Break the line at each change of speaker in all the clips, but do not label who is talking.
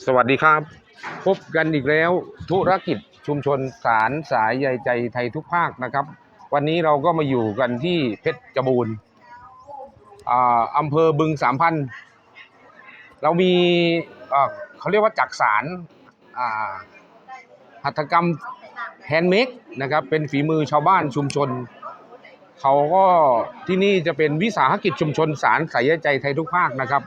สวัสดีครับพบกันอีกแล้วธุรกิจชุมชนสารสายใยใจไทยทุกภาคนะครับวันนี้เราก็มาอยู่กันที่เพชรบูรณ์อำเภอบึงสามพันธุ์เรามีเขาเรียกว่าจักสานหัตถกรรมแฮนด์เมดนะครับเป็นฝีมือชาวบ้านชุมชนเขาก็ที่นี่จะเป็นวิสาหกิจชุมชนสารสายใยใจไทยทุกภาคนะครับ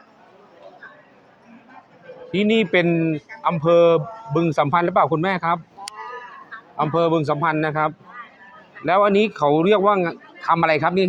ที่นี่เป็นอำเภอบึงสัมพันธ์หรือเปล่าคุณแม่ครับอำเภอบึงสัมพันธ์นะครับแล้วอันนี้เขาเรียกว่าทำอะไรครับนี่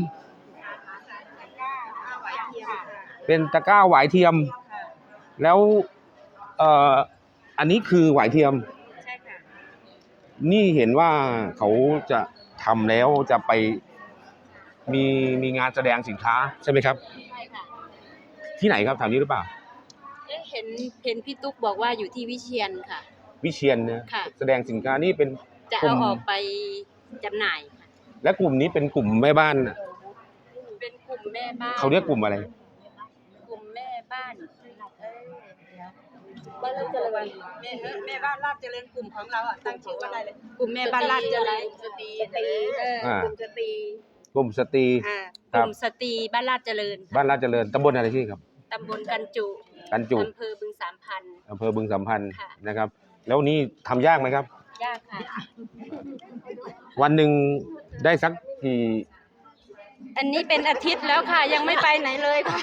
เป็นตะกร้าหวายเทียมแล้วอันนี้คือหวายเทียมใช่ค่ะนี่เห็นว่าเขาจะทำแล้วจะไปมีงานแสดงสินค้าใช่ไหมครับใช่ค่ะที่ไหนครับแถวนี้หรือเปล่า
เห็นพี่ตุ๊กบอกว่าอยู่ที่วิเชียรค่ะ
วิเชียรนะแสดงสินค้านี่เป็น
จะเอาออกไปจำหน่ายค่ะ
และกลุ่มนี้เป็นกลุ่มแม่บ้าน
เป็นกลุ่มแม่บ้าน
เขาเรียกกลุ่มอะไร
กลุ่มแม่บ้านบ้านราชเจริญแม่บ้านราชเจริญกลุ่มของเราตั้งชื่อว่าอะไรเลยกลุ่มแม่บ้านราชเจริญสตรีกลุ่มสตรี
กลุ่มสตรี
กลุ่มสตรีบ้านราชเจริญ
บ้านราชเจริญตำบลอะไรที่ครับ
ตำบลกันจุอำเภอบึงสามพันธุ์
นะครับแล้วนี่ทำยากไหมครับ
ยากค่ะ
วันหนึ่งได้สักกี่
อันนี้เป็นอาทิตย์แล้วค่ะยังไม่ไปไหนเลยค่ะ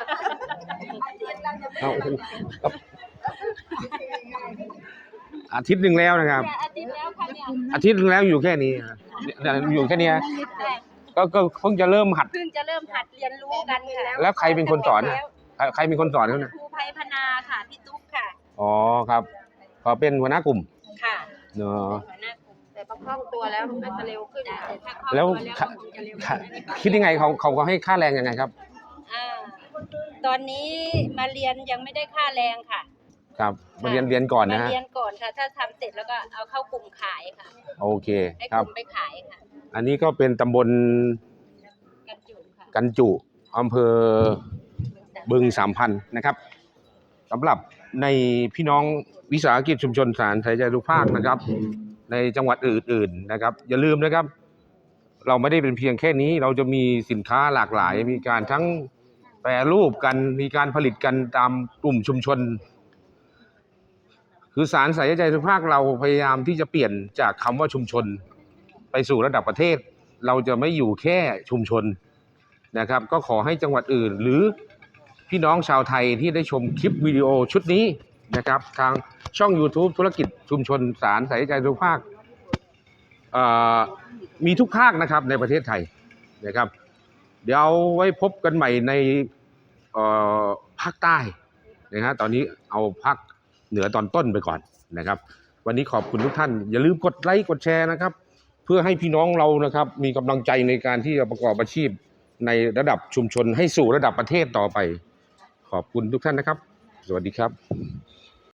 อาทิตย์หนึ่งแล้วนะครับ
อาทิตย์แล้วค่ะเนี่ย
อาทิตย์หนึ่งแล้วอยู่แค่นี้อยู่แค่นี้ก็เพิ่งจะเริ่มหัด
เรียนรู้กันค่ะ
แล้วใครเป็นคนสอนใครเป็นคนสอนเขาเนี่ย
ครูไพพนาค่ะพี่ตุ๊กค่ะ
อ๋อครับขอเป็นหัวหน้ากลุ่ม
ค่ะ
เนาะ
หัวหน้ากลุ่มแต่พอคล่องตัวแล้วน่าจะเร็วขึ้น
แล้วคิดยังไงเขาให้ค่าแรงยังไงครับ
ตอนนี้มาเรียนยังไม่ได้ค่าแรงค่ะ
ครับมาเรียนก่อนนะฮะ
มาเรียนก่อนค่ะถ้าทำเสร็จแล้วก็เอาเข้ากลุ่มขายค่ะ
โอเค
ให้กลุ่มไปขายค่ะ
อันนี้ก็เป็นตำบลกันจุอำเภอบึงสามพันธุ์นะครับสำหรับในพี่น้องวิสาหกิจชุมชนสารสายใยทุกภาคนะครับในจังหวัดอื่นๆนะครับอย่าลืมนะครับเราไม่ได้เป็นเพียงแค่นี้เราจะมีสินค้าหลากหลายมีการทั้งแปรรูปกันมีการผลิตกันตามกลุ่มชุมชนคือสารสายใยทุกภาคเราพยายามที่จะเปลี่ยนจากคำว่าชุมชนไปสู่ระดับประเทศเราจะไม่อยู่แค่ชุมชนนะครับก็ขอให้จังหวัดอื่นหรือพี่น้องชาวไทยที่ได้ชมคลิปวิดีโอชุดนี้นะครับทางช่อง YouTube ธุรกิจชุมชนสารสายใยทุกภาคมีทุกภาคนะครับในประเทศไทยนะครับเดี๋ยวไว้พบกันใหม่ในภาคใต้นะฮะตอนนี้เอาภาคเหนือตอนต้นไปก่อนนะครับวันนี้ขอบคุณทุกท่านอย่าลืมกดไลค์กดแชร์นะครับเพื่อให้พี่น้องเรานะครับมีกำลังใจในการที่จะประกอบอาชีพในระดับชุมชนให้สู่ระดับประเทศต่อไปขอบคุณทุกท่านนะครับสวัสดีครับ